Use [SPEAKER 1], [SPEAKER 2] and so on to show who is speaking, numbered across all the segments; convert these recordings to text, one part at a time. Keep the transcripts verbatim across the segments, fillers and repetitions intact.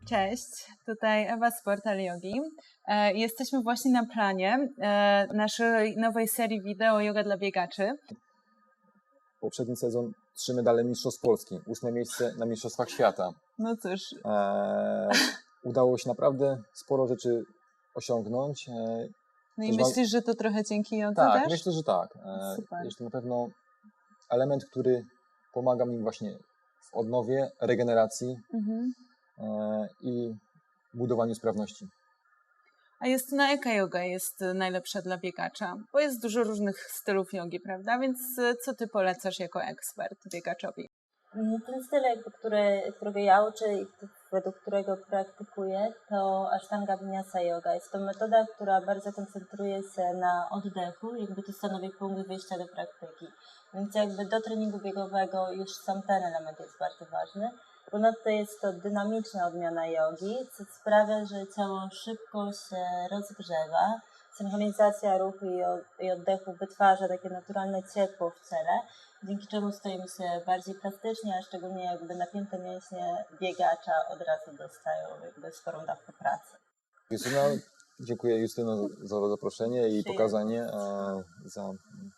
[SPEAKER 1] Cześć, tutaj Ewa z Portal Yogi. E, jesteśmy właśnie na planie e, naszej nowej serii wideo Yoga dla biegaczy.
[SPEAKER 2] Poprzedni sezon trzy medale Mistrzostw Polski, ósme miejsce na Mistrzostwach Świata.
[SPEAKER 1] No cóż.
[SPEAKER 2] E, udało się naprawdę sporo rzeczy osiągnąć. E,
[SPEAKER 1] No i
[SPEAKER 2] mam...
[SPEAKER 1] myślisz, że to trochę dzięki jodze
[SPEAKER 2] Tak,
[SPEAKER 1] też?
[SPEAKER 2] myślę, że tak. E,
[SPEAKER 1] Super.
[SPEAKER 2] jest to na pewno element, który pomaga mi właśnie w odnowie, regeneracji
[SPEAKER 1] Mhm.
[SPEAKER 2] e, i budowaniu sprawności.
[SPEAKER 1] A Justyna, jaka yoga jest najlepsza dla biegacza? Bo jest dużo różnych stylów jogi, prawda? Więc co ty polecasz jako ekspert biegaczowi?
[SPEAKER 3] Ten styl, który, którego ja uczę i według którego praktykuję, to Ashtanga Vinyasa Yoga. Jest to metoda, która bardzo koncentruje się na oddechu, jakby to stanowi punkt wyjścia do praktyki. Więc jakby do treningu biegowego już sam ten element jest bardzo ważny. Ponadto jest to dynamiczna odmiana jogi, co sprawia, że ciało szybko się rozgrzewa. Synchronizacja ruchu i oddechu wytwarza takie naturalne ciepło w ciele, dzięki czemu stoimy się bardziej plastycznie, a szczególnie jakby napięte mięśnie biegacza od razu dostają jakby sporą dawkę pracy.
[SPEAKER 2] Justyna, dziękuję Justyno za zaproszenie i pokazanie. E, za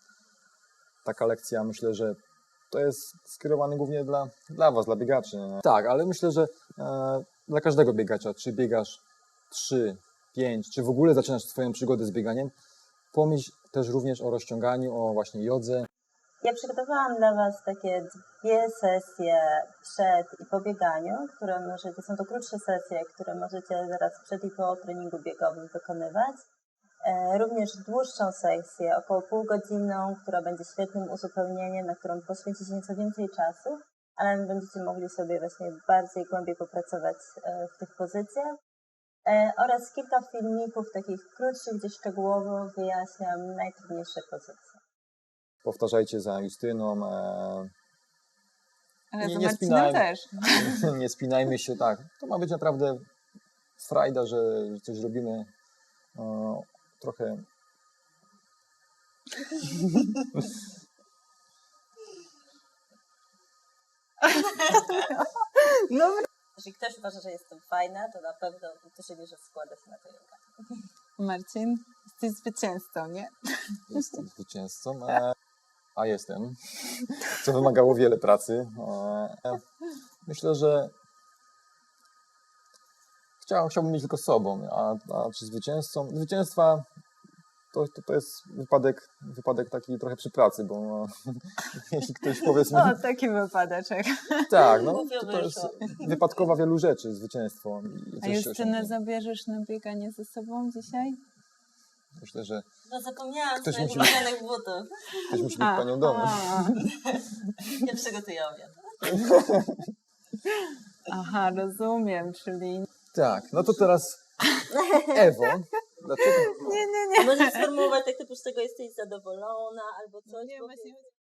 [SPEAKER 2] taka lekcja, myślę, że to jest skierowane głównie dla, dla Was, dla biegaczy. Tak, ale myślę, że e, dla każdego biegacza, czy biegasz trzy, pięć, czy w ogóle zaczynasz swoją przygodę z bieganiem, pomyśl też również o rozciąganiu, o właśnie jodze.
[SPEAKER 3] Ja przygotowałam dla Was takie dwie sesje przed i po bieganiu, które możecie, są to krótsze sesje, które możecie zaraz przed i po treningu biegowym wykonywać. E, również dłuższą sesję, około półgodzinną, która będzie świetnym uzupełnieniem, na którą poświęcicie nieco więcej czasu, ale będziecie mogli sobie właśnie bardziej głębiej popracować e, w tych pozycjach. E, oraz kilka filmików takich krótszych, gdzie szczegółowo wyjaśniam najtrudniejsze pozycje.
[SPEAKER 2] Powtarzajcie za Justyną. E,
[SPEAKER 1] Ale
[SPEAKER 2] nie,
[SPEAKER 1] za
[SPEAKER 2] nie
[SPEAKER 1] Marcinem
[SPEAKER 2] spinajmy,
[SPEAKER 1] też.
[SPEAKER 2] nie spinajmy się, tak. To ma być naprawdę frajda, że coś robimy e, trochę...
[SPEAKER 1] Dobra.
[SPEAKER 3] Jeśli ktoś uważa, że jestem fajna, to na pewno w dużej mierze składa się na to yoga.
[SPEAKER 1] Marcin, jesteś zwycięzcą, nie?
[SPEAKER 2] Jestem zwycięzcą, e, a jestem, co wymagało wiele pracy. E, myślę, że chciał, chciałbym mieć tylko sobą, a, a czy zwycięzcą? Zwycięstwa to, to, to jest wypadek, wypadek taki trochę przy pracy, bo no, jeśli ktoś powiedzmy...
[SPEAKER 1] O, taki wypadeczek.
[SPEAKER 2] Tak, no to, to jest wypadkowa wielu rzeczy, zwycięstwo. I
[SPEAKER 1] A
[SPEAKER 2] coś się
[SPEAKER 1] Justynę
[SPEAKER 2] osiągnie.
[SPEAKER 1] zabierzesz na bieganie ze sobą dzisiaj?
[SPEAKER 2] Myślę, że
[SPEAKER 3] No zapomniałam
[SPEAKER 2] Ktoś
[SPEAKER 3] swoich
[SPEAKER 2] musi-
[SPEAKER 3] ulubionych butów.
[SPEAKER 2] ktoś musi być panią domu.
[SPEAKER 1] a.
[SPEAKER 3] Ja przygotuję obiad.
[SPEAKER 1] Aha, rozumiem, czyli...
[SPEAKER 2] Tak, no to teraz Ewo, dlaczego...
[SPEAKER 1] Nie, nie, nie.
[SPEAKER 3] A możesz sformułować tak typu, z tego jesteś zadowolona albo coś?
[SPEAKER 1] Nie,
[SPEAKER 3] bo-
[SPEAKER 1] właśnie